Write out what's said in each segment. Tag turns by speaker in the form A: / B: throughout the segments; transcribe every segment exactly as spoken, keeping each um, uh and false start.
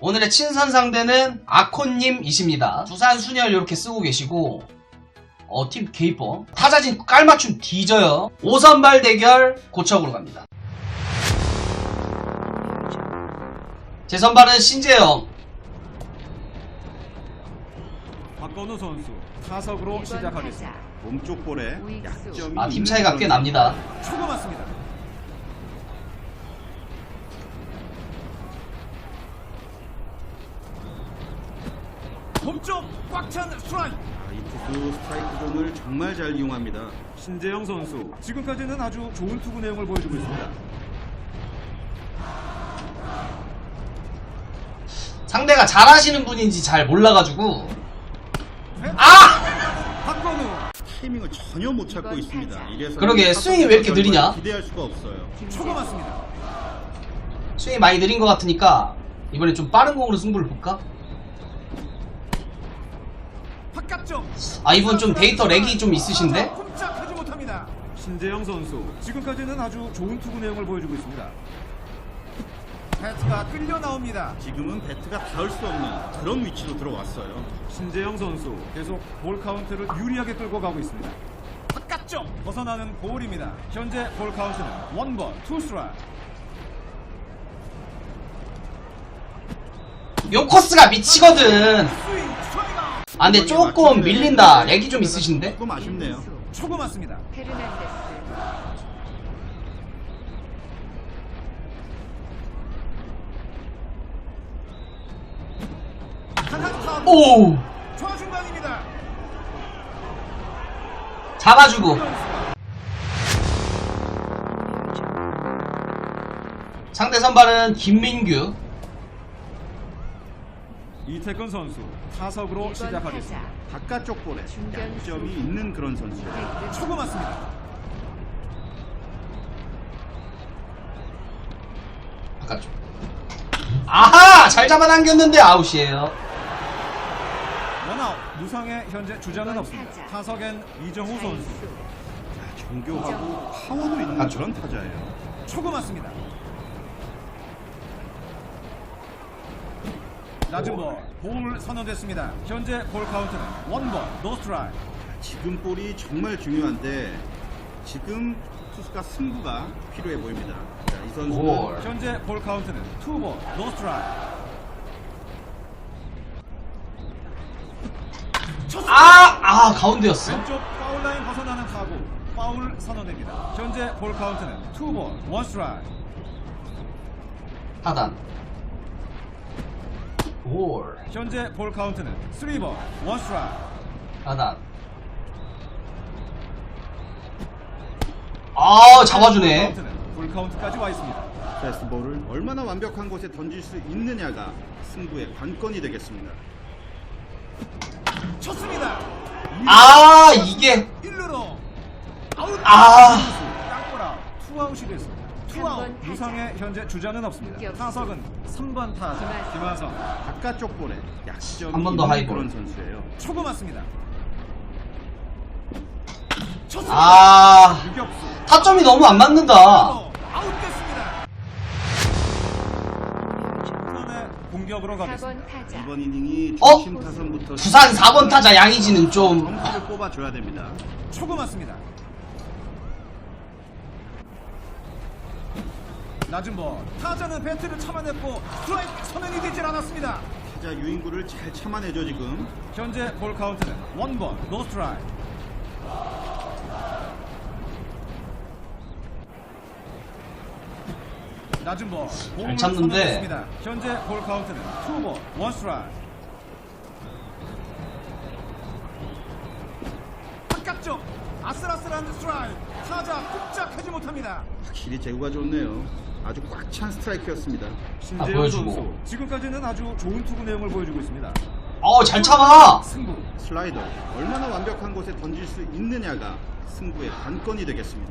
A: 오늘의 친선 상대는 아콘님이십니다. 두산 순열 이렇게 쓰고 계시고 어, 팀 개이뻐. 타자진 깔맞춤 뒤져요. 오 선발 대결 고척으로 갑니다. 제 선발은 신재영.
B: 박건우 선수 타석으로 시작하겠습니다.
C: 몸쪽 볼에 약점이
A: 아, 팀 차이가 꽤 납니다.
B: 초구 맞습니다. 몸쪽 꽉 찬 스트라이크.
C: 아, 이 투수 스트라이크 존을 정말 잘 이용합니다.
B: 신재영 선수 지금까지는 아주 좋은 투구 내용을 보여주고 있습니다.
A: 상대가 잘하시는 분인지 잘 몰라가지고 아!
B: 박건우
C: 타이밍을 전혀 못 찾고 있습니다. 이래서
A: 그러게, 스윙이 왜 이렇게 느리냐?
C: 기대할 수가 없어요.
B: 초구 맞습니다.
A: 스윙이 많이 느린 것 같으니까 이번에 좀 빠른 공으로 승부를 볼까?
B: 바깥쪽.
A: 아, 이분 좀 데이터 렉이 좀 있으신데?
B: 꼼짝하지 못합니다. 신재영 선수 지금까지는 아주 좋은 투구 내용을 보여주고 있습니다. 배트가 끌려 나옵니다.
C: 지금은 배트가 닿을 수 없는 그런 위치로 들어왔어요.
B: 신재영 선수 계속 볼 카운트를 유리하게 끌고 가고 있습니다. 바깥쪽 벗어나는 볼입니다. 현재 볼 카운트는 원볼 투 스트라이크.
A: 요 코스가 미치거든.
B: 스윙 스트라이크.
A: 아, 근데 조금 밀린다. 렉이 좀 있으신데?
C: 조금 아쉽네요.
B: 초구 맞습니다.
D: 페르난데스
A: 오!
B: 좌중간입니다.
A: 잡아주고. 상대 선발은 김민규.
B: 이태근 선수 타석으로 시작하겠습니다.
C: 바깥쪽 볼에 약점이 있는 그런 선수예요.
B: 초구 맞습니다.
A: 바깥쪽. 아하! 잘 잡아당겼는데 아웃이에요.
B: 원아웃. 무상의 현재 주자는 없습니다. 타석엔 이정우 선수.
C: 정교하고 파워도 있는
A: 아,
C: 그런 타자예요.
B: 초구 맞습니다. 낮은 볼, 볼 선언됐습니다. 현재 볼 카운트는 원볼, 노 스트라이크.
C: 지금 볼이 정말 중요한데 지금 투수가 승부가 필요해 보입니다. 자, 이 선수는
A: 볼.
B: 현재 볼 카운트는 투볼, 노 스트라이크.
A: 아! 아, 가운데였어.
B: 왼쪽 파울 라인 벗어나는 타구, 파울 선언됩니다. 현재 볼 카운트는 투볼, 원 스트라이크.
A: 하단. 볼.
B: 현재 볼 카운트는 쓰리볼, 원 스트라이크.
A: 하단. 아, 잡아주네.
B: 카운트는 풀 카운트까지 와 있습니다.
C: 패스트볼을 얼마나 완벽한 곳에 던질 수 있느냐가 승부의 관건이 되겠습니다.
B: 쳤습니다.
A: 아, 이게.
B: 일루로 아웃.
A: 아.
B: 땅볼아웃. 투아웃이 됐습니다. 투아웃. 무상의 현재 주자는 없습니다. 타석은 삼 번 타자 김하성.
C: 바깥쪽 볼에 약점이
A: 한번 더
C: 있는
A: 하이볼.
C: 그런 선수예요.
B: 초구 맞습니다. 쳤습니다.
A: 아.
B: 유격수.
A: 타점이 너무 안 맞는다.
B: 아웃됐습니다. 이번에 공격으로
D: 사
B: 가겠습니다.
D: 번 타자
C: 이번 이닝이
A: 어?
C: 중심 타선부터
A: 부산 사 번 타자 양의지는 좀.
C: 점수를 뽑아줘야 됩니다.
B: 초구 맞습니다. 낮은 볼. 타자는 배트를 참아냈고 스트라이크 선언이 되질 않았습니다.
C: 타자 유인구를 잘 참아내죠 지금.
B: 현재 볼 카운트는 원볼, 노 스트라이크. 낮은 볼.
A: 잘 참는데.
B: 선언됐습니다. 현재 볼 카운트는 투볼, 원 스트라이크. 바깥쪽 아슬아슬한 스트라이크. 타자 꼼짝하지 못합니다.
C: 확실히 제구가 좋네요. 아주 꽉 찬 스트라이크였습니다.
B: 신재영
A: 보여주고.
B: 선수 지금까지는 아주 좋은 투구 내용을 보여주고 있습니다.
A: 어, 잘 참아.
B: 승부.
C: 슬라이더 얼마나 완벽한 곳에 던질 수 있느냐가 승부의 관건이 되겠습니다.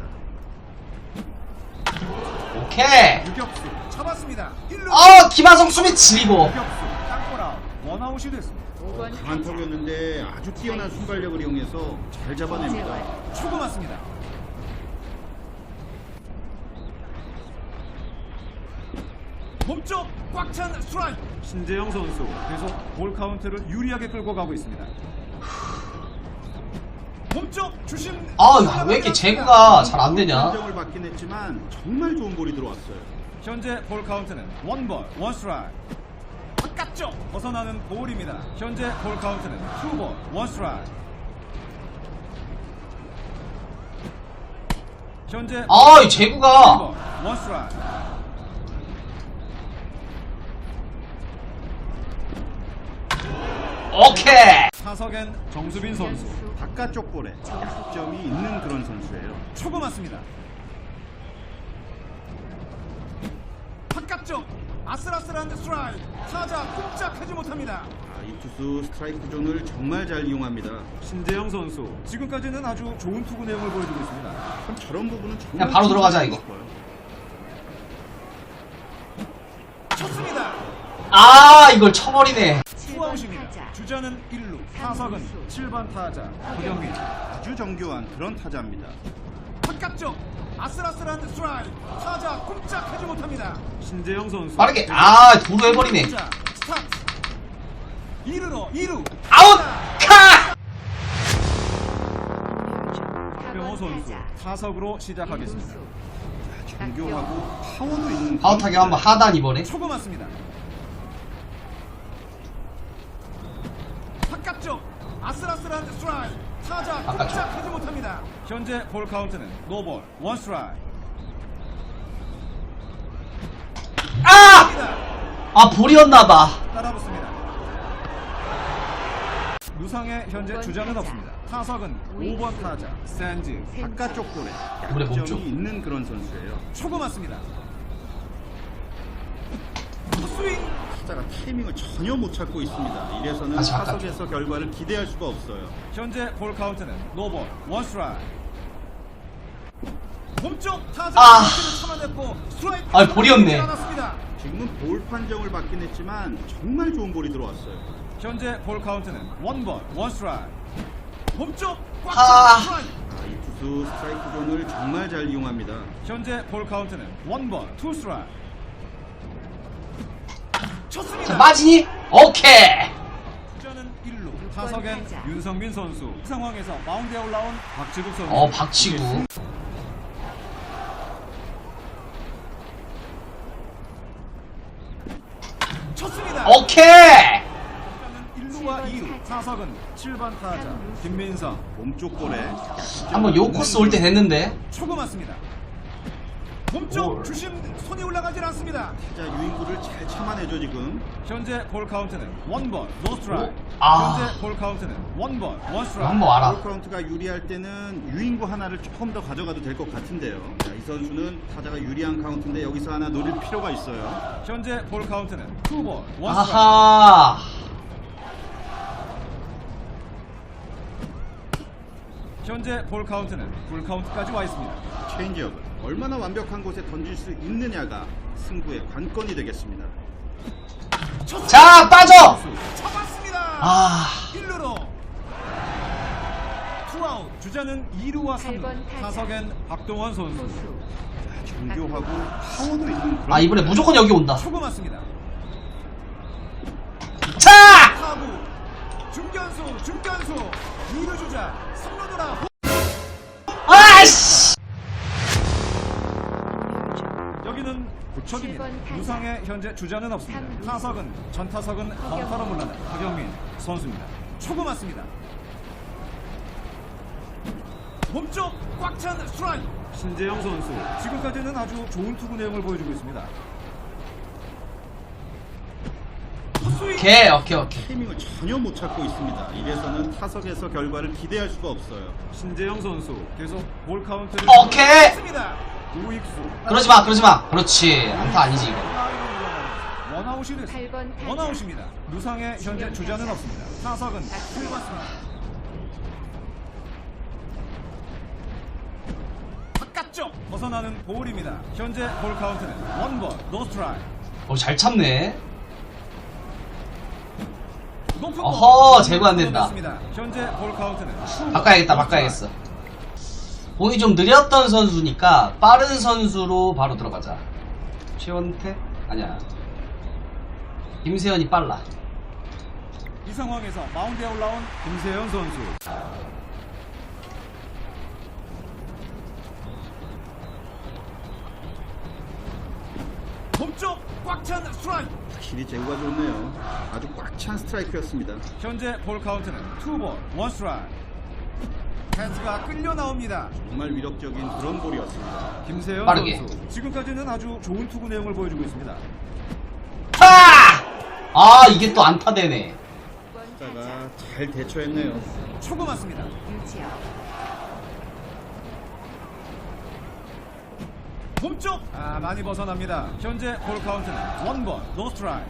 A: 오케이.
B: 유격수 잡았습니다. 일루.
A: 어, 김하성 수비 지리고.
B: 유격수 땅볼아웃. 원아웃이 됐습니다.
D: 오 번
C: 강한
D: 타자
C: 턱이었는데 아주 뛰어난 순발력을 이용해서 잘 잡아냅니다.
D: 이재원
B: 초구 맞습니다. 몸쪽 꽉 찬 스트라이크. 신재영 선수 계속 볼 카운트를 유리하게 끌고 가고 있습니다. 몸쪽 주심.
A: 아, 왜 이렇게 제구가 잘 안 되냐?
C: 판정을 받긴 했지만 정말 좋은 볼이 들어왔어요.
B: 현재 볼 카운트는 원볼 원스트라이크. 바깥쪽 벗어나는 볼입니다. 현재 볼 카운트는 투볼 원스트라이크. 현재
A: 아, 이 제구가.
B: 투볼 원스트라이크.
A: 오케이.
B: 타석엔 정수빈 선수.
C: 바깥쪽 볼에 약점이 있는 그런 선수예요.
B: 초구 맞습니다. 바깥쪽 아슬아슬한 스트라이크. 타자 꼼짝하지 못합니다.
C: 아, 이 투수 스트라이크 존을 정말 잘 이용합니다.
B: 신재영 선수 지금까지는 아주 좋은 투구 내용을 보여주고 있습니다.
C: 참 저런 부분은 정말
A: 그냥 바로 들어가자, 이거.
C: 싶어요.
B: 쳤습니다.
A: 아, 이걸 쳐버리네.
B: 투아웃입니다. 주자는 일 루, 타석은 칠 번 타자 허경민.
C: 아주 정교한 그런 타자입니다.
B: 바깥쪽 아슬아슬한 스트라이크. 타자 꼼짝하지 못합니다. 신재영 선수
A: 빠르게. 아, 도루 해버리네.
B: 자, 스타트. 이 루로 이 루.
A: 아웃! 카!
B: 박병호 선수 타석으로 시작하겠습니다.
C: 정교하고 파워도 있는
A: 아웃하게 한번 하단 이번에.
B: 초구 맞습니다. 바깥쪽 아슬아슬한 스트라이크. 타자
A: 바깥쪽.
B: 꼼짝하지 못합니다. 현재 볼 카운트는 노볼 원 스트라이크.
A: 아! 아, 볼이었나봐.
B: 따라붙습니다. 루상의 현재 주자는 없습니다. 타석은 오 번 타자 샌즈.
C: 바깥쪽 볼에
A: 이번에 몸쪽.
C: 약점이 있는 그런 선수예요.
B: 초구 맞습니다. 스윙.
C: 타자가 타이밍을 전혀 못 찾고 있습니다. 이래서는
A: 다시 바깥쪽.
C: 타석에서 결과를 기대할 수가 없어요.
B: 현재 볼 카운트는 노볼 원 스트라이크. 몸쪽 타자
A: 아.
B: 를 참아냈고 스트라이크.
A: 아, 볼이었네.
B: 않았습니다.
C: 지금은 볼 판정을 받긴 했지만 정말 좋은 볼이 들어왔어요.
B: 현재 볼 카운트는 원볼 원 스트라이크. 몸쪽 꽉
A: 아.
B: 찬 스트라이크.
C: 아, 이 투수 스트라이크 존을 정말 잘 이용합니다.
B: 현재 볼 카운트는 원볼 투 스트라이크. 쳤습니다.
A: 자, 빠지니? 오케이.
B: 주자는 일 루. 타석엔 윤성민 선수. 이 상황에서 마운드에 올라온 박지국 선수.
A: 어, 박치구.
B: 쳤습니다.
A: 오케이.
B: 주자는 일 루와 이 루. 타석은 칠 번 타자 김민성.
C: 몸쪽 볼에
A: 한번 요 코스 올 때 됐는데.
B: 초구 맞습니다. 몸쪽
A: 볼.
B: 주심 손이 올라가질 않습니다.
C: 타자 유인구를 잘 참아내죠 지금.
B: 현재 볼 카운트는 원볼 노 스트라이크.
A: 아.
B: 현재 볼 카운트는 원볼 원 스트라이크.
A: 한번 와라.
C: 볼 카운트가 유리할 때는 유인구 하나를 조금 더 가져가도 될 것 같은데요. 자, 이 선수는 타자가 유리한 카운트인데 여기서 하나 노릴 필요가 있어요.
B: 현재 볼 카운트는 투볼 원 스트라이크.
A: 아하.
B: 현재 볼 카운트는 풀 카운트까지 와 있습니다.
C: 체인지업을 얼마나 완벽한 곳에 던질 수 있느냐가 승부의 관건이 되겠습니다.
A: 자, 빠져.
B: 잡았습니다.
A: 아.
B: 일 루로 투아웃. 주자는 이 루와 삼 루. 타석엔 박동원 선수.
C: 자, 정교하고 파워도 있는 그런
A: 아, 이번에 무조건 여기 온다.
B: 초구 맞습니다.
A: 자!
B: 타구 중견수 중견수 이 루 주자 삼 루 돌아.
A: 아이씨.
B: 여기는 구척입니다. 유상의 현재 주자는 없습니다. 타석은 전 타석은 벙커로 물러난 허경민 선수입니다. 초구 맞습니다. 몸쪽 꽉 찬 스트라이크. 신재영 선수 지금까지는 아주 좋은 투구 내용을 보여주고 있습니다. 스윙.
A: 오케이, 오케이, 오케이.
C: 타이밍을 전혀 못 찾고 있습니다. 이래서는 타석에서 결과를 기대할 수가 없어요.
B: 신재영 선수 계속 볼 카운트를
A: 오케이.
B: 했습니다. 우익수.
A: 그러지 마, 그러지 마. 그렇지. 안타 아니지, 이거.
B: 원아웃이 됐습니다.
D: 팔 번 타자.
B: 원아웃입니다. 루상의 현재 주자는 없습니다. 타석은 칠 맞습니다. 바깥쪽 벗어나는 볼입니다. 현재 볼 카운트는 원볼 노 스트라이크.
A: 어, 잘 참네.
B: 높은
A: 어허,
B: 볼.
A: 제구 안 된다.
B: 현재 볼 카운트는
A: 바꿔야겠다, 바꿔야겠어. 공이 좀 느렸던 선수니까 빠른 선수로 바로 들어가자. 최원태? 아니야. 김세현이 빨라.
B: 이 상황에서 마운드에 올라온 김세현 선수. 몸쪽 꽉 찬 스트라이크.
C: 확실히 제구가 좋네요. 아주 꽉 찬 스트라이크였습니다.
B: 현재 볼 카운트는 투볼 원 스트라이크. 패스가 끌려 나옵니다.
C: 정말 위력적인 그런 볼이었습니다.
B: 김세현
A: 빠르게.
B: 선수 지금까지는 아주 좋은 투구 내용을 보여주고 있습니다.
A: 아! 아, 이게 또 안타되네.
C: 타자가 잘 대처했네요.
B: 초구 맞습니다. 몸쪽 아 많이 벗어납니다. 현재 볼 카운트는 원볼 노 스트라이크.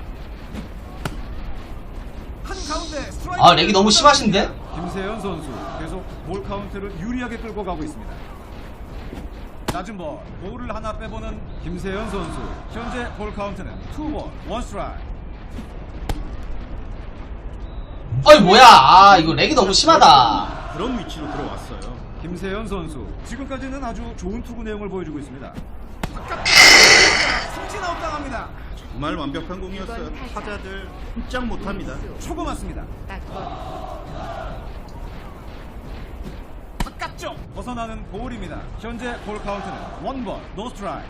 B: 한 가운데 스트라이크.
A: 아, 렉이 너무 심하신데?
B: 김세현 선수 계속 볼 카운트를 유리하게 끌고 가고 있습니다. 낮은 볼, 볼을 하나 빼보는 김세현 선수. 현재 볼 카운트는 투볼 원 스트라이크.
A: 어이, 뭐야. 아, 이거 렉이 너무 심하다.
C: 그런 위치로 들어왔어요.
B: 김세현 선수 지금까지는 아주 좋은 투구 내용을 보여주고 있습니다. 삼진 아웃 당합니다.
C: 정말 완벽한 공이었어요. 타자들 꼼짝 못합니다.
B: 초구 맞습니다. 바깥쪽 벗어나는 볼입니다. 현재 볼 카운트는 원볼 노 스트라이크.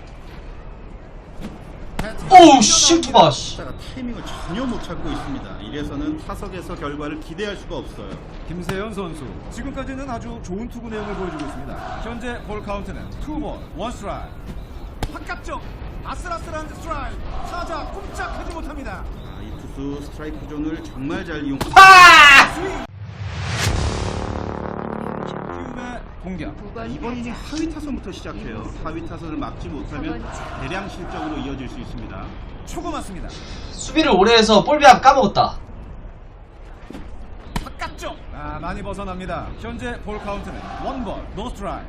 A: 오우, 실투가, 씨.
C: 타자가 타이밍을 전혀 못 찾고 있습니다. 이래서는 타석에서 결과를 기대할 수가 없어요.
B: 김세현 선수 지금까지는 아주 좋은 투구 내용을 보여주고 있습니다. 현재 볼 카운트는 투볼 원 스트라이크. 바깥쪽 아슬아슬한 스트라이크. 타자 꼼짝하지 못합니다.
C: 아, 이 투수 스트라이크 존을 정말 잘 이용.
A: 아!
B: 스윙. 키움의 공격.
C: 아, 이번 이닝 하위 타선부터 시작해요. 하위 타선을 막지 못하면 대량 실적으로 이어질 수 있습니다.
B: 초구 맞습니다.
A: 수비를 오래 해서 볼배합 까먹었다.
B: 바깥쪽 아 많이 벗어납니다. 현재 볼 카운트는 원볼 노 스트라이크.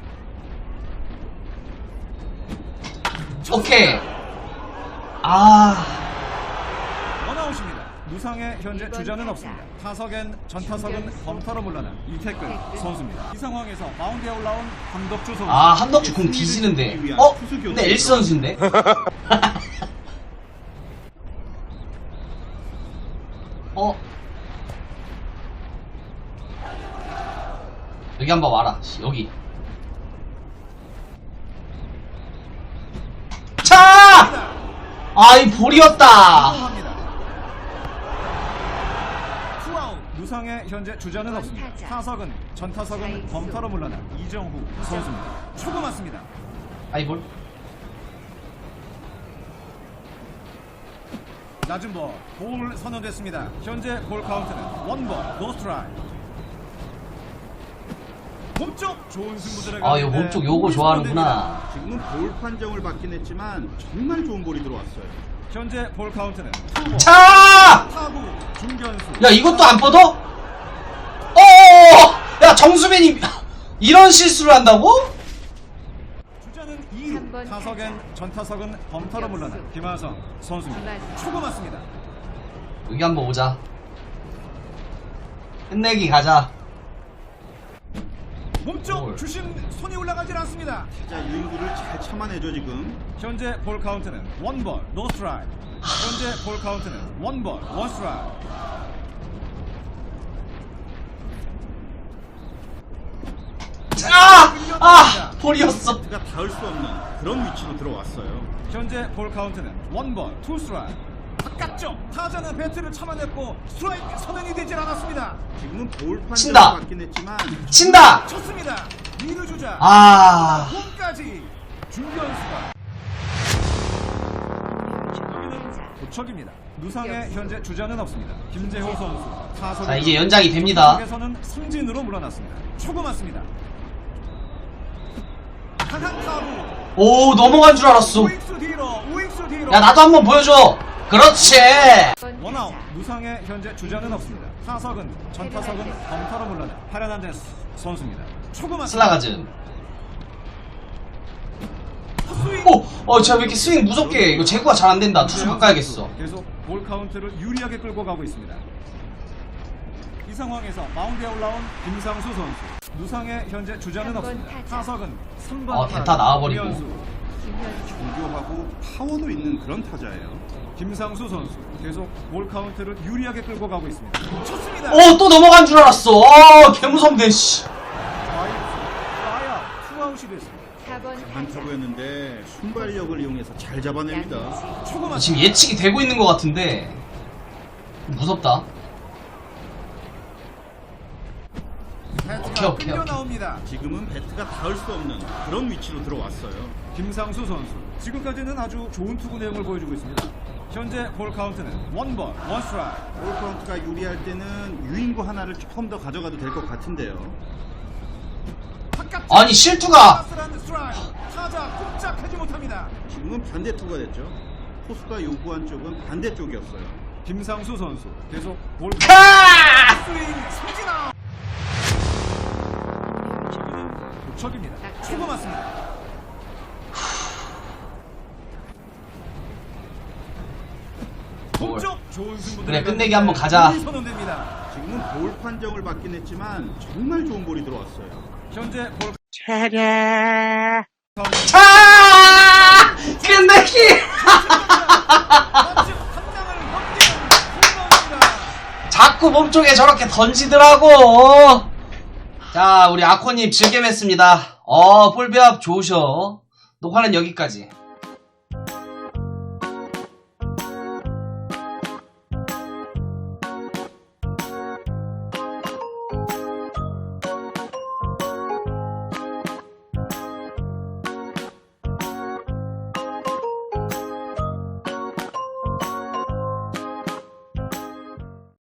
A: 오케이. 아,
B: 원아웃입니다. 무상의 현재 주자는 없습니다. 타석엔 전타석은 범타로 물러난 이태근 선수입니다. 이 상황에서 마운드에 올라온 한덕주 선수.
A: 아, 한덕주 공 뒤지는데. 어? 근데 엘스 선수인데? 어? 여기 한번 와라. 씨, 여기. 차! 아, 이 볼이었다.
B: 합니다. 투아웃. 무상의 현재 주자는 없습니다. 타석은 전타석은 범타로 물러난 이정후 선수입니다. 초구 맞습니다.
A: 아이, 볼.
B: 낮은 볼, 볼 선언됐습니다. 현재 볼 카운트는 원볼 노 스트라이크. 몸쪽 좋은 승부 들어가.
A: 아, 이거 몸쪽 요거 좋아하는구나.
C: 지금은 볼 판정을 받긴 했지만 정말 좋은 볼이 들어왔어요.
B: 현재 볼 카운트는 투볼.
A: 차!
B: 타구 중견수.
A: 야, 이것도 안 뻗어? 어어어! 야, 정수빈이 이런 실수를 한다고?
B: 주자는 이 루. 타석엔 전타석은 범타로 물러난 김하성 선수입니다.
D: 김하성.
B: 초구 맞습니다.
A: 여기 한번 오자. 끝내기 가자.
B: 몸쪽
A: 볼.
B: 주심 손이 올라가질 않습니다.
C: 타자 유인구를 잘 참아내죠 지금.
B: 현재 볼 카운트는 원볼 노 스트라이크. 현재 볼 카운트는 원볼 원 스트라이크.
A: 아! 아! 볼이었어.
C: 타가 닿을 수 없는 그런 위치로 들어왔어요.
B: 현재 볼 카운트는 원볼 투 스트라이크. 바깥쪽 타자는 배트를 참아냈고 스트라이크 선언이 되질 않았습니다.
C: 지금은 볼 판정을
A: 친다.
C: 받긴 했지만
A: 친다!
B: 쳤습니다. 이 루 주자
A: 아.
B: 홈까지 중견수가. 여기는 도척입니다. 누상의 현재 주자는 없습니다. 김재호 선수 타석.
A: 자, 이제 연장이 됩니다.
B: 에서는 승진으로 물러났습니다. 초구 맞습니다. 강한 타구.
A: 오, 넘어간 줄 알았어.
B: 우익수 뒤로 우익수 뒤로.
A: 야, 나도 한번 보여줘. 그렇지.
B: 원아웃. 누상의 현재 주자는 없습니다. 타석은 전타석은 범타로 물러난 파라난데스 선수입니다. 초구 맞습니다.
A: 슬라가즘.
B: 스윙.
A: 오, 어, 제가 왜 이렇게 스윙 무섭게 해? 이거 제구가 잘 안 된다. 투수 바꿔야겠어.
B: 계속 볼 카운트를 유리하게 끌고 가고 있습니다. 이 상황에서 마운드에 올라온 김상수 선수. 누상의 현재 주자는 없습니다. 타석은 삼 번
A: 어, 대타 나와버리고.
C: 정교하고 파워도 있는 그런 타자예요.
B: 김상수 선수 계속 볼 카운트를 유리하게 끌고 가고 있습니다. 쳤습니다.
A: 어, 또 넘어간 줄 알았어. 아, 개무섭네, 씨.
B: 아야 투아웃이 됐습니다.
D: 사 번
C: 강한 타구였는데 순발력을 이용해서 잘 잡아냅니다.
B: 초구 맞
A: 지금 예측이 되고 있는 것 같은데. 무섭다. 오케이, 오케이,
B: 끌려
A: 오케이.
B: 나옵니다.
C: 지금은 배트가 닿을 수 없는 그런 위치로 들어왔어요.
B: 김상수 선수 지금까지는 아주 좋은 투구 내용을 보여주고 있습니다. 현재 볼 카운트는 원번 원스트라이크.
C: 볼 카운트가 유리할 때는 유인구 하나를 조금 더 가져가도 될 것 같은데요.
A: 아니, 실투가.
B: 타자 꼼짝하지 못합니다.
C: 지금은 반대 투구가 됐죠. 포수가 요구한 쪽은 반대쪽이었어요.
B: 김상수 선수 계속 볼
A: 카!
B: 스윙 삼진아. 도척입니다. 초구 맞습니다. 동쪽 좋은 승부.
A: 그래, 끝내기 한번 가자.
B: 선언됩니다.
C: 지금은 볼 판정을 받긴 했지만 정말 좋은 볼이 들어왔어요.
B: 현재 볼
A: 차! 끝내기! 자꾸 몸쪽에 저렇게 던지더라고. 자, 우리 아코님 즐겜했습니다. 어, 볼배합 좋으셔. 녹화는 여기까지.